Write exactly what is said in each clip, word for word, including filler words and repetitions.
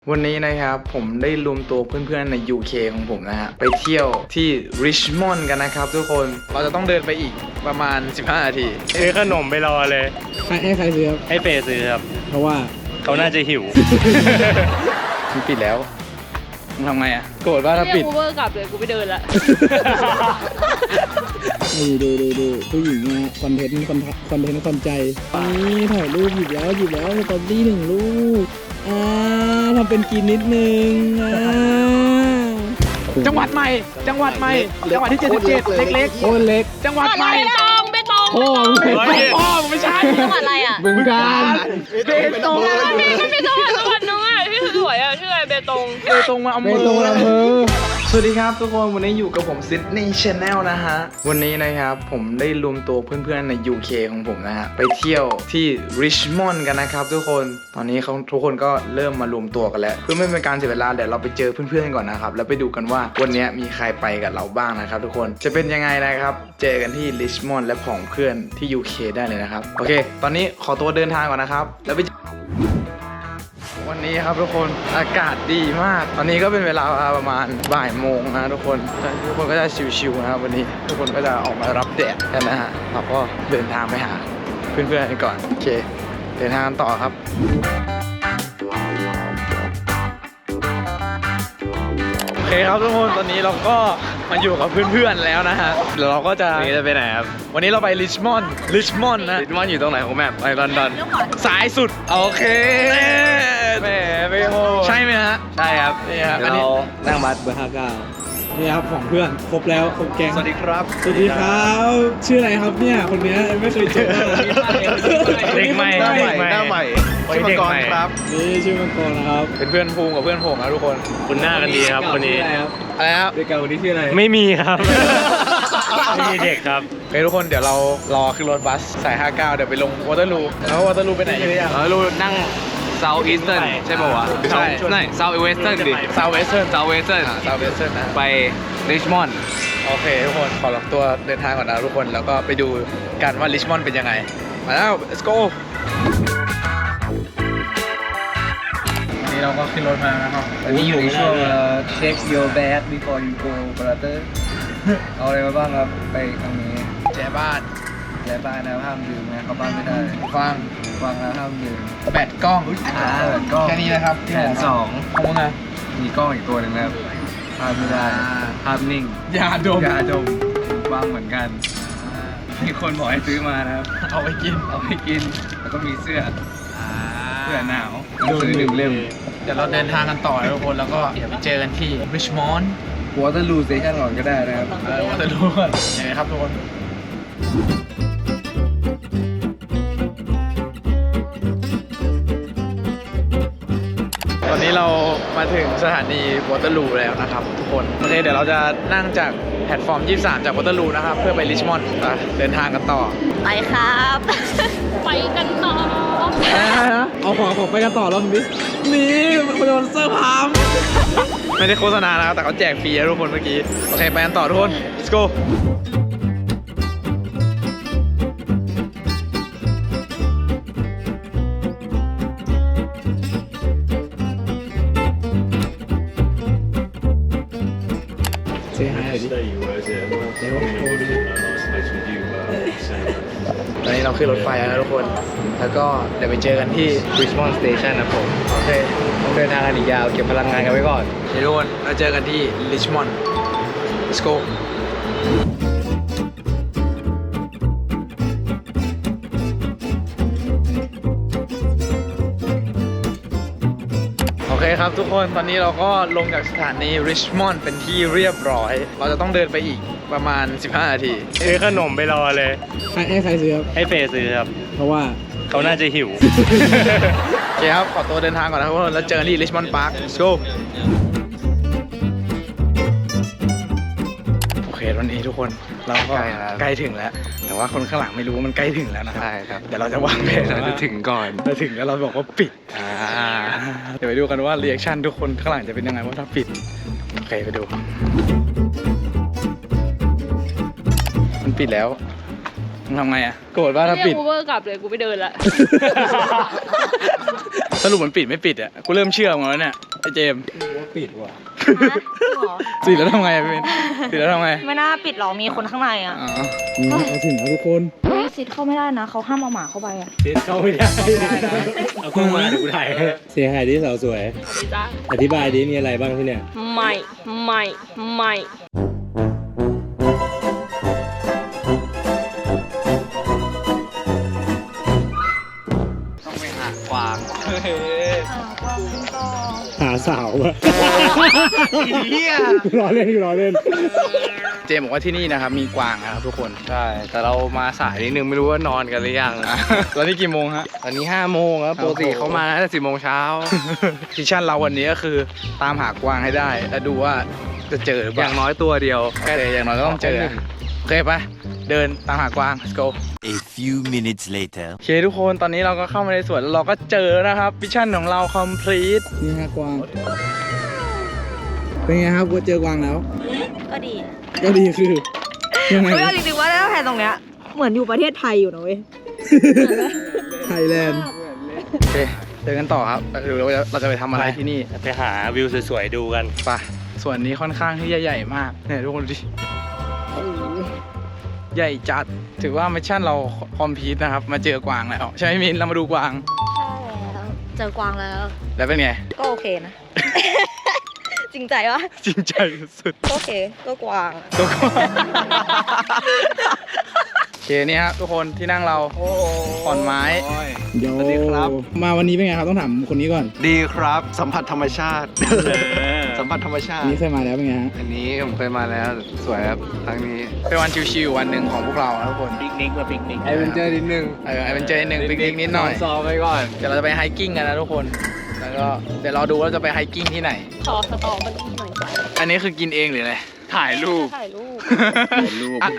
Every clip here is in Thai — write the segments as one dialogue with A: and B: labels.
A: วันนี้นะครับผมได้รวมตัวเพื่อนๆใน ยู เค ของผมนะฮะไปเที่ยวที่ริชมอนด์กันนะครับทุกคนเราจะต้องเดินไปอีกประมาณสิบห้านาที
B: ซื้อขนมไปรอเลย
C: ใครให้ใครซื้อครับ
B: ให้เฟย์ซื้อครับ
C: เพราะว่า
B: เขาน่าจะหิว
A: มันปิดแล้วมึงทำไงอ่ะโกรธว่าถ้าปิด
D: กูเวอร์กลับเลยกูไปเดินละ
C: ดูดูดูดูผู้หญิงนะคอนเทนต์คอนคอนเทนต์คอนใจนี่ถ่ายรูปหยิบแล้วหยิบแล้วสตอรี่หนึ่งรูปอ่าทำเป็นกินนิดนึงอ่า
A: จังหวัดใหม่จังหวัดใหม่จังหวัดที่เจ็ดสิบเจ็ดเล็กๆ
C: โคตรเล็ก
A: จังหวัดใหม่
D: เบตงเบตง
C: โอ้
A: พ่อไม่ใช่
D: จังหวัดอะไรอ่ะ
C: บึงกาฬ
A: เบตง
D: มันมีจังหวัดจังหวัดนึงอ่ะที่สวยอ่ะชื่ออะไรเบตง
A: เบตงมาอำเภ
C: เบตงอำเภอ
A: สวัสดีครับทุกคนวันนี้อยู่กับผมซิดนีย์ชาแนลนะฮะวันนี้นะครับผมได้รวมตัวเพื่อนๆใน ยู เค ของผมนะฮะไปเที่ยวที่ริชมอนด์กันนะครับทุกคนตอนนี้เขาทุกคนก็เริ่มมารวมตัวกันแล้วเพื่อไม่เป็นการเสียเวลาเดี๋ยวเราไปเจอเพื่อนๆก่อนนะครับแล้วไปดูกันว่าวันนี้มีใครไปกับเราบ้างนะครับทุกคนจะเป็นยังไงนะครับเจอกันที่ริชมอนด์และผองเพื่อนที่ ยู เค ได้เลยนะครับโอเคตอนนี้ขอตัวเดินทางก่อนนะครับแล้วไปวันนี้ครับทุกคนอากาศดีมากตอนนี้ก็เป็นเวลาประมาณบ่ายโมงนะทุกคนทุกคนก็จะชิวๆนะครับวันนี้ทุกคนก็จะออกมารับแดดกันนะฮะเราก็เดินทางไปหาเพื่อนๆกันก่อนโอเคเดินทางต่อครับโอเคครับทุกคนตอนนี้เราก็มาอยู่กับเพื่อนๆแล้วนะฮะเดี๋ยวเราก็จะ
B: วันนี้จะไปไหนครับ
A: วันนี้เราไปริชมอนด์ริชมอนด์นะ
B: ริชมอนด์อยู่ตรงไหนของแมปไปลอนดอน
A: สายสุดโอเค
B: แหมไม่โห
A: ใช่ไหมฮะ
B: ใช่ครับ
A: นี่ครับ
B: อันนี้นั่งบัสเบอร์ห้าเก้า
C: นี่ครับของเพื่อนครบแล้วครบแก๊ง
A: สวัสดีครับ
C: สวัสดีครับชื่ออะไรครับเนี่ยคนนี้ไม่เคยเจอ
B: เด็กใหม่
A: หน้าใหม่หน้าใหม่ชื่อมังกรครับ
C: นี่ชื่อมังกรนะครับ
A: เป็นเพื่อนภูมิกับเพื่อนผมนะทุกคน
B: คุณหน้ากันดีครับคนนี้
A: อะไรครับ
C: เด็กเก่าคนนี้ชื่ออะไร
B: ไม่มีครับไม่มีเด็กครับ
A: เฮ้ยทุกคนเดี๋ยวเรารอขึ้นรถบัสสายห้าเก้าเดี๋ยวไปลงวอเตอร์ลูแล้ววอเตอร์ลูไปไหนอยู่เนี่ย
B: วอเตอร์ลูนั่งเซาท์อีสเทิร์นใช่ป่าววะ
A: ใช่
B: ใช่เซาท์เวสเทิร์นดิ
A: ซาวเวสเทิร์น
B: เซาท์เวสเทิร์น
A: ซาวเวสเทิร์นนะ
B: ไปริชมอนด์
A: โอเคทุกคนขอรับตัวเดินทางก่อนนะทุกคนแล้วก็ไปดูกันว่าริชมอนด์เป็นยังไงมาแล้ว let's go วันนี้เราก็ขึ้นรถมานะครับ
E: อันนี้อยู่ในช่วง check your bag before you go brother เอาอะไรมาบ้างครับไปครั้งนี้
A: แจบ้าน
E: แย่บ้านนะห้ามดื่มนะเข้าบ้านไม่ได้
A: ฟัง
E: ฟังนะห้ามดื่ม
A: แบตกล้อง
E: อ่าก็
A: แค่นี้นะครับ
E: แขนสอง
A: ของมึงอะ
E: มีกล้องอีกตัวหนึ่งนะครับภาพไม่ได้ภาพนิ่ง
A: ยาดม
E: ยาดมวางเหมือนกันมีคนบอกให้ซื้อมานะครับ
A: เอาไปกิน
E: เอาไปกินแล้วก็มีเสื้อเสื้อหนาวหนังสือหนึ่งเล่ม
A: เดี๋ยวเราเดินทางกันต่อนะทุกคนแล้วก็เดี๋ยวไปเจอกันที่ริชมอนด์
E: วอเตอร์ลูสเตชันก่อนก็ได้นะครับ
A: เออวอเตอร์ลูยังไงครับทุกคนตอนนี้เรามาถึงสถานีวอเตอร์ลูแล้วนะครับทุกคนโอเคเดี๋ยวเราจะนั่งจากแพลตฟอร์มยี่สิบสามจากวอเตอร์ลูนะครับเพื่อไปริชมอนด์เดินทางกันต่อ
D: ไปครับไปกันต่อ
C: เอาของของไปกันต่อรอบนี้นี่มันโดนเซอร์พาม
A: ไม่ได้โฆษณานะครับแต่เขาแจกฟรีนะทุกคนเมื่อกี้โอเคไปกันต่อทุกคน let's go
C: เสียหายดิ
A: ตอนนี้เราขึ้นรถไฟแล้วทุกคนแล้วก็เดี๋ยวไปเจอกันที่
E: Richmond Station นะผม
A: โอเค
E: ต้องเดินทางกันอีกยาวเก็บพลังงานกันไว้ก่อน
A: เดี๋ยวทุกคนเราเจอกันที่ริชมอนด์ let's go โอเคครับทุกคนตอนนี้เราก็ลงจากสถานีริชมอนด์เป็นที่เรียบร้อยเราจะต้องเดินไปอีกประมาณสิบห้านาที
B: ซื้อขนมไปรอเลย
C: ใครให้ใครซื้อครับ
B: ให้เฟย์ซื้อครับ
C: เพราะว่า
B: เขาน่าจะหิว
A: โอเคครับขอตัวเดินทางก่อนนะครับทุกคนแล้วเจอกันที่ริชมอนด์พาร์ค let's go โอเควันนี้ทุกคนเราก็ใกล้ถึงแล้วแต่ว่าคนข้างหลังไม่รู้ว่ามันใกล้ถึงแล้วนะครับ
E: ใช่ครับ
A: เดี๋ยวเราจะวางแผน
E: เราจะถึงก่อน
A: เราถึงแล้วเราบอกว่าปิดเดี๋ยวไปดูกันว่ารีแอคชั่นทุกคนข้างหลังจะเป็นยังไงว่าถ้าปิดโอเคไปดูมันปิดแล้วมึงทำไงอ่ะโกรธว่าถ้าปิด
D: กูเวอร์กลับเลยกูไปเดินละ
A: สรุปมันปิดไม่ปิดอ่ะกูเริ่มเชื่อมึงแล้วเนี่ยไอเจมส์
E: ปิดว่ะ
A: ปิดแล้วทำไงอะพี่เบนปิดแล้วทำไง
F: ไม่น่าปิดหรอกมีคนข้างในอ่ะ
A: อ๋อ
C: นี่เอาถึงแล้วทุกคน
F: เฮ้ยซิดเข้าไม่ได้นะเขาห้ามเอาหมาเข้าไปอ่ะ
B: เด็ดเข้าไม่ได้เอากล้องมาเดี๋ยวกูถ่ายให้
G: เสียหายที่สาวสวย
D: จ้า
G: อธิบายดิมีอะไรบ้างที่เนี่ย
D: ไม่ไม่ไม่
A: ต้องไปหากวาง
G: หาสาวอะ
A: เฮีย
G: รอเล่นรอเล่น
A: เจมส์บอกว่าที่นี่นะครับมีกวางนะครับทุกคน
B: ใช่ แต่เรามาสายนิดนึงไม่รู้ว่านอนกันหรือยัง
A: อ่ะแล้วนี่กี่โมงฮะ
B: ตอนนี้ห้าโมงครับปกติเขามาตั้งแต่สิบโมงเช้า
A: มิชชั่นเราวันนี้ก็คือตามหากวางให้ได้ แล้วดูว่าจะเจอหรือเป
B: อ
A: ล่า
B: ย่างน้อยตัวเดียว
A: แค่อย่างน้อยก็ต้องเจอนะโอเคปะเดินตามหากวาง let's go
H: A few minutes later.
A: โอเคทุกคนตอนนี้เราก็เข้ามาในสวนแล้วเราก็เจอนะครับมิชชั่นของเรา complete
C: นี่ฮะกวาง เป็นไงครับว่าเจอกวางแล้ว
F: ก็ดี
C: ก็ดีคือยังไง
F: เฮ้ยเอาจริงๆว่าถ้าแทนตรงเนี้ยเหมือนอยู่ประเทศไทยอยู่นะเว้ย
C: ไทยแลนด์
A: โอเคเดินกันต่อครับหรือเราจะเราจะไปทำอะไรที่นี่
B: ไปหาวิวสวยๆดูกัน
A: ไปส่วนนี้ค่อนข้างที่จะใหญ่มากเนี่ยทุกคนดูดิใหญ่จัดถือว่ามิชชั่นเราคอมพลีทนะครับมาเจอกวางแล้วใช่ไหมมินเรามาดูกวาง
F: ใช่แล้วเจอกวางแล้ว
A: แล้วเป็นไง
F: ก็โอเคนะ จริงใจวะ
A: จริงใจสุด
F: ก็โอเคก็กวาง
A: ๆตัวกวางโอเคนี่ครับทุกคนที่นั่งเราขอนไม้
C: เดี๋ยว
E: สวัสดีครับ
C: มาวันนี้เป็นไงครับต้องถามคนนี้ก่อน
E: ดีครับ สัมผัสธรรมชาติ สัมผัสธรรมชา
C: อัน
E: ติ
C: นี้เคยมาแล้วเป็นไงฮะ
E: อันนี้ผมเคยมาแล้วสวยครับครั้งนี้
A: เป็นวันชิวๆวันหนึ่งของพวกเรานะทุกคน
B: ปิกนิกมาปิกนิก
E: ไอเวนเจอร์นิดนึง
A: เออไอเป็นเจอหนึ่งปิกนิกนิดหน่อย
E: ซ้อมไว้ก่อน
A: เดี๋ยวเราจะไปไฮกิ้งกันนะทุกคน แล้วก็เดี๋ยวเราดูว่าเราจะไปไฮกิ้งที่ไหน
D: ขอสตอมันหน่อย
A: อันนี้คือกินเองหรืออะไร ถ่ายรูป
D: ถ่ายรูป
E: รูป
A: อ่ะ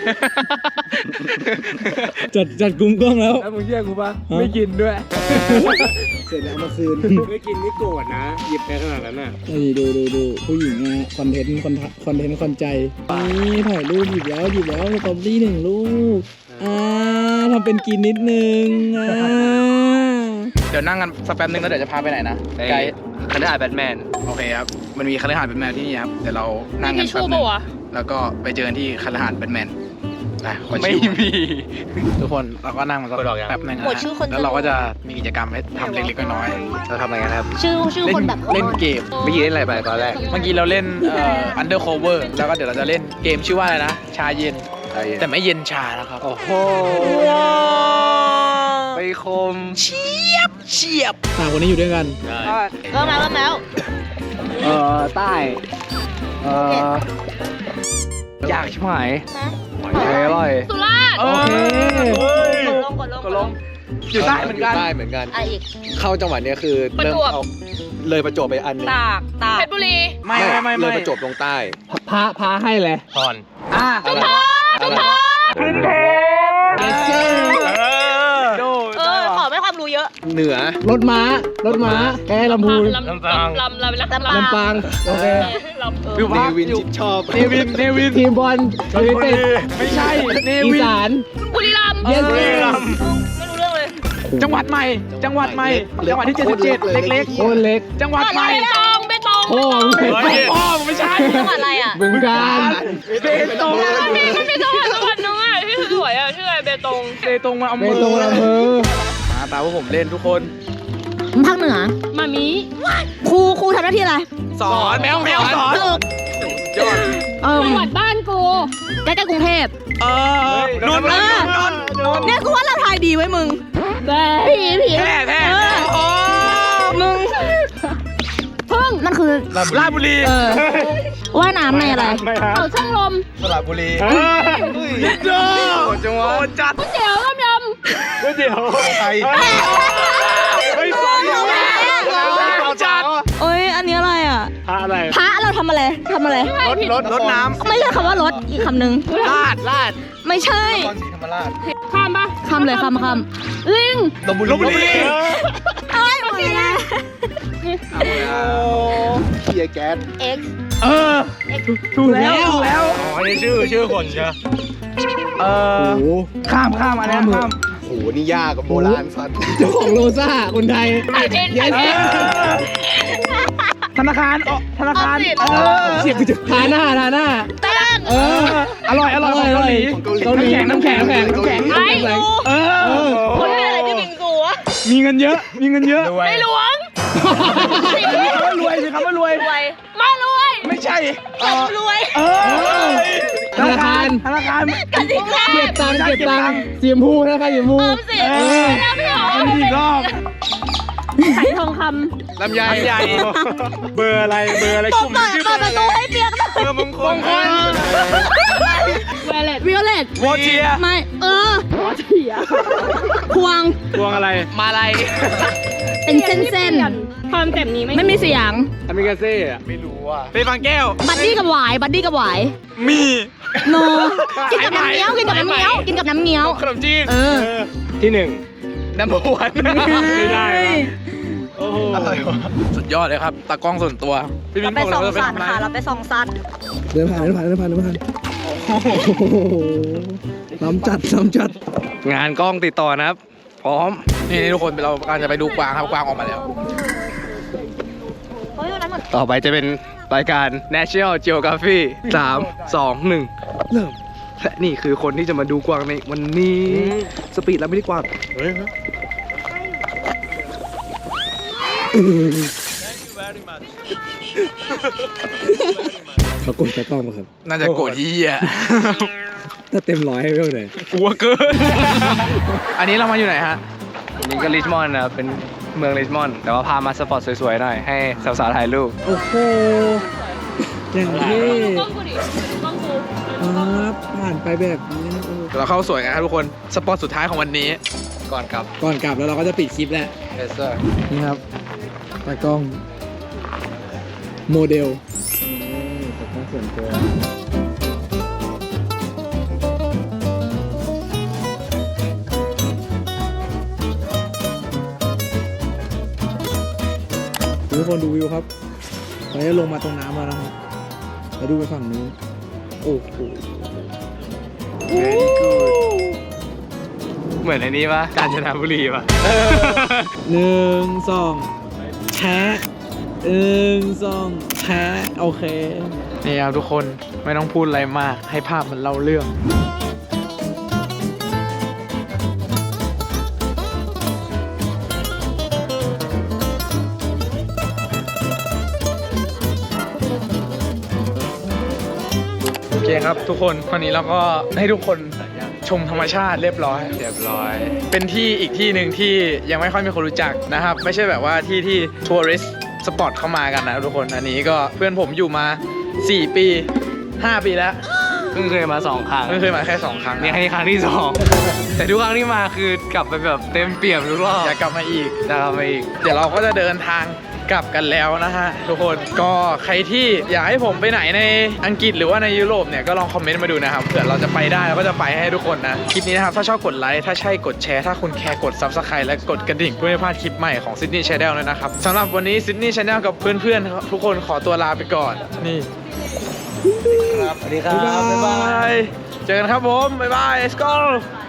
C: จัดจัดกลุ่มกล้องแล้ว
E: แล้วมึงเชื่อกูปะไม่กินด้วย
C: เสร็จแล้วเมื่อคืน
G: ไม่กินไม่โกรธนะ หยิบไปขนาดนั้นน่ะ
C: นี่ดูดูดูผู้หญิงนะฮะคอนเทนต์คอนคอนเทนต์คอนใจนี่ถ่ายรูปหยิบแล้วหยิบแล้วสตรอเบอรี่หนึ่งลูกอ่าทำเป็นกินนิดนึงอ่า
A: เดี๋ยวนั่งกันสักแป๊บนึงแล้วเดี๋ยวจะพาไปไหนนะ
E: ไป
A: ไกด์
E: คณะแบทแมน
A: โอเคครับ มันมีคฤหาสน์แบทแมนที่นี่ครับ เดี๋ยวเรานั่ง
D: มี
A: กัน
D: ทิช
A: แป๊
D: ชู่
A: บนึ
D: ปะ
A: ง
D: วะ
A: แล้วก็ไปเจอกันที่คฤหาสน์แบทแมนนะขอ
B: ไม่
A: ชิว
B: มี
A: ทุกคนเราก็นั่งมาสัก
B: กดออกยัง
A: แป๊บนึงนะ
F: หมดชื่อคน
A: แล้วเราก็จะมีกิจกรรมให้ทำเล็กๆน้อย
E: เราทำอะไรกันครับ
F: ชื่อชื่อ
A: ๆเล่
F: คน
A: น
F: แบบ
A: เล่นเกม
E: เมื่อกี้เล่นอะไรไปตอนแรก
A: เมื่อกี้เราเล่นเอ่อ undercover แล้วก็เดี๋ยวเราจะเล่นเกมชื่อว่าอะไรนะ ชาเย็น แต่ไม่เย็นชานะครับ
E: โอ้โหไปคม
A: เฉียบเฉียบ
C: สามคนนี้อยู่ด้วยกัน
F: เริ่มแล้วเริ่มแล้ว
E: เอ่อใต้เอ่ออยากชิบหายอร่อย
D: สุราษฎร์
A: โอเค
F: กดลงกดลง
A: ก็ลงอยู่ใต้เหมือนกัน
E: ใต้เหมือนกัน
F: อ่ะอีก
E: เข้าจังหวัดเนี้ยคือ
D: ประ
E: เริ่ม
D: จวบ
E: เอาเลยประจวบไปอันหนึง
F: ตากตาก
D: เพชรบุรี
A: ไม่ไม่ไม่
E: เล
A: ไม่
E: ยประจวบลงใต้
C: พาพาให้เลย
B: ตอน
A: อ่ะ
E: อะไรอะไร
A: โด
F: เออขอไม่ความรู้เยอะ
E: เหนือ
C: รถม้ารถม้าแกลำพูน
D: ลำลำลำลำลำ
F: ลำปาง
C: ลำปางโอเค
D: ลำเออ
A: วิว
E: เน
A: พัก
E: วินชิดชอบ
A: เนวินเนวิน
C: ทีมบอลยูไนเต็ด
A: ไม่ใช่เน
C: อี
A: วิน
C: สาน
D: บุรีรัมย์
C: เยส
A: เออ
D: ไม่รู้เรื่องเลย
A: จังหวัดใหม่ จังหวัดใหม่ จังหวัดที่เจ็ดสิบเจ็ดเล็ก
C: โคนเล็ก
A: ๆ จังหวัดใหม่
D: เบตงเบตง
C: โอ้มึงเป็น
A: เฮ้ยพ่อมึงไม่ใช่
F: จังหวัดอะไรอ่ะ
C: บึงการ
A: เบตง
D: มันมีมันมีจังหวัดจังหวัดนึงอ่ะที่สวยอ่ะชื่ออะไรเบตง
A: เบตงมาอำ
C: เบ
A: เภอ
C: ตงอำเภอ
A: มาตามว่าผมเล่นทุกคน
F: ภาคเหนือ
D: มามี
F: ครูครูทำหน้าที่อะไร
A: สอนแมวแมวสอน
F: ฝึก
A: ยอด
F: เออ
D: จังหวัดบ้านกู
F: ใกล้ๆกรุงเทพ
A: เออนนท์นนท์นนท์นนท์
F: เนี่ยกูว่าเราทายดีไว้มึง
D: แบ
F: ผีผี
A: แพร่แพร่
F: เออ
A: โอ้
F: มึงพึ่งมันคือ
A: ราชบุรี
F: เออว่ายน้ำในอะไร
D: เขาช่างลม
E: สระบุรี
A: ยิดโดจังหวัดจัด
D: ก๋วยเตี๋ยวต้มย
B: ก๋วยเตี๋ยว
E: ไทย
A: ไม่สอนอยู่แล้วจัด
F: โอ้ยอันนี้อะไรอ่ะ
B: พระอะไร
F: พระเราทำอะไรทำอะไร
A: รถรถรถน้
F: ไม่ใช่คำว่ารถอีกคำหนึ่ง
A: ำลาดลาด
F: ไม่ใช่
E: นครศรีธรรมราช
D: ำข้ามปะ
F: คำเลยคำคำ
D: ลิง
E: ลพบุรี
A: ลพบุรี
F: เอ้ยหมดแล้ว
E: เกียร์แก๊ส
F: X
A: เออถูกแล้วถูกแล้ว
B: อ๋อนี่ชื่อชื่อคนใช่ไหม
A: เอ
C: โอ้
A: อ
C: โห
A: ข้ามข้ามอันนี้ข้าม
E: โหนี่ยากกับโบราณสัตว์
C: เจ้าของโลซ่าคนไทย
D: ไอเทนไอเทน
A: ธนาคารอ๋อธนาคาร
D: ออมสิน
A: เออ
C: เสียบจุดทาหน้าทาหน้า
D: แป้ง
C: เออ
A: อร่อยอร่อยของเกาหลี
C: เกาหลีน้ำแข็งน้ำแข็งน้ำแข็ง
D: ไอ้กู
A: เออ
D: คนที่อะไรที่บิงกูวะ
A: มีเงินเยอะ มีเงินเยอะ
D: ไม่หลวง
A: มีคำว่ารวยสิคำว่ารวย
D: รวยไม่รวย
A: ไม่ใช่เออ
D: รวย
A: เออ
C: ธนาคาร
A: ธนาคาร
D: กติกา
C: เก็บตังค์เก็บตังค์เสียมพูธนาคารเสียมพู
D: ออมสิน
A: เออ
D: แล้วพี่หอ
A: อัน
D: ม
A: นี้อีกรอบ
D: ไข่ทองค
A: ลำไยลำไย
G: เบอร์อะไรเบอร์อะไร
D: ำ
G: กลุ่ม
D: เปิด
G: ชื่อ
D: เปิดประตูให้เปียกหน่อย
G: เบอร์มงคล
D: เวเลต
F: วิโอเลต
A: โวเทีย
F: ไม่ เออพวง
G: พวงอะไร
A: มาลัย
F: เป็นเส้นเส้น
D: ความเจ็บนี้ไม่
F: ๆไม่มีเสียง
G: อเมริกาเซ่อะ
A: ไม่รู้อ่ะเป็นบางแก้ว
F: บัดดี้กับหวาย บัดดี้กับหวาย
A: มี
F: โน กินกับน้ำเงี้ยว กินกับน้ำเงี้ยว กินกับน้ำเงี้ยว
A: ขนมจีน
F: เออ
G: ที่หนึ่ง
A: น้ำวัน
G: ไม่ได้วะโอ้โห
A: อะไรวะสุดยอดเลยครับตากล้องส่วนตัวพี่มิ้นบอกเลยว่าเป็นอะไร
D: เราไปส่องสัตว์
C: เดินผ่านเดินผ่านเดินผ่านเดินผ่านโอ้โหล้ำจัดล้ำจัด
A: งานกล้องติดต่อนะครับ พร้อม นี่นี่ทุกคนเรากำลังจะไปดูกวางครับกวางออกมาแล้ว
D: เฮ้ยวันนั้นเหมือน
A: ต่อไปจะเป็นรายการ National Geography สาม สอง หนึ่ง เริ่ม และนี่คือคนที่จะมาดูกวางในวันนี้ สปีดแล้วไม่ได้กวาง
G: เฮ้ย
C: เขากดตะกล้องมาครับ
A: น่าจะโกรธยี่อ่ะ
C: ถ้าเต็มร้อยให้เท่าไหร่
A: กลัวเกิน อันนี้เรามาอยู่ไหนฮะนี่ก็ริชมอนด์นะเป็นเมืองริชมอนด์แต่ว่าพามาสปอร์ตสวยๆหน่อย ให้สาวๆถ่ายรูป
C: โอ้โหอย่างเท่
D: กล้องกูดิกล้องกู
C: ครับผ่านไปแบบนี้นะโอ้
A: เราเข้าสวยกันครับทุกคน สปอร์ตสุดท้ายของวันนี้ ก่อนกลับ
C: ก่อนกลับแล้วเราก็จะปิดคลิปแล้ว
A: Yes sir
C: นี่ครับตากล้อง โมเดลตากล้องส่วนตัวทุกคนดูวิวครับตอนนี้ลงมาตรงน้ำแล้วนะครับแล้วดูไปฝั่งนู้นโอ้โห
A: Very good เหมือนในนี้ปะกาญจนบุรีปะ
C: หนึ่งสองแชะหนึ่งสองแชะโอเค
A: นี่ครับทุกคนไม่ต้องพูดอะไรมากให้ภาพมันเล่าเรื่อง โอเคครับทุกคนวันนี้เราก็ให้ทุกคนชมธรรมชาติเรียบร้อย เรียบร้อย เป็นที่อีกที่หนึ่งที่ยังไม่ค่อยมีคนรู้จักนะครับ ไม่ใช่แบบว่าที่ที่ทัวริสต์สปอตเข้ามากันนะทุกคนอันนี้ก็เพื่อนผมอยู่มาสี่ปีห้าปีแล้ว
B: เพิ่งเคยมาสองครั้ง
A: ไม่เคยมาแค่สองครั้ง
B: นี่ครั้งนี้ครั้งที่สองแต่ทุกครั้งที่มาคือกลับไปแบบเต็มเปี่ยมทุกรอบ
A: อยากกลับมาอีก
B: จะกลับมาอีก
A: เดี๋ยวเราก็จะเดินทางกลับกันแล้วนะฮะทุกคนก็ใครที่อยากให้ผมไปไหนในอังกฤษหรือว่าในยุโรปเนี่ยก็ลองคอมเมนต์มาดูนะครับเผื่อเราจะไปได้เราก็จะไปให้ทุกคนนะคลิปนี้นะครับถ้าชอบกดไลค์ถ้าใช่กดแชร์ถ้าคุณแคร์กด Subscribe และกดกระดิ่งเพื่อไม่พลาดคลิปใหม่ของ Sydney Channel เลยนะครับสำหรับวันนี้ Sydney Channel กับเพื่อนๆทุกคนขอตัวลาไปก่อนนี่
B: สวัสดีครับ
A: บ๊ายบายเจอกันครับผมบ๊ายบาย let's go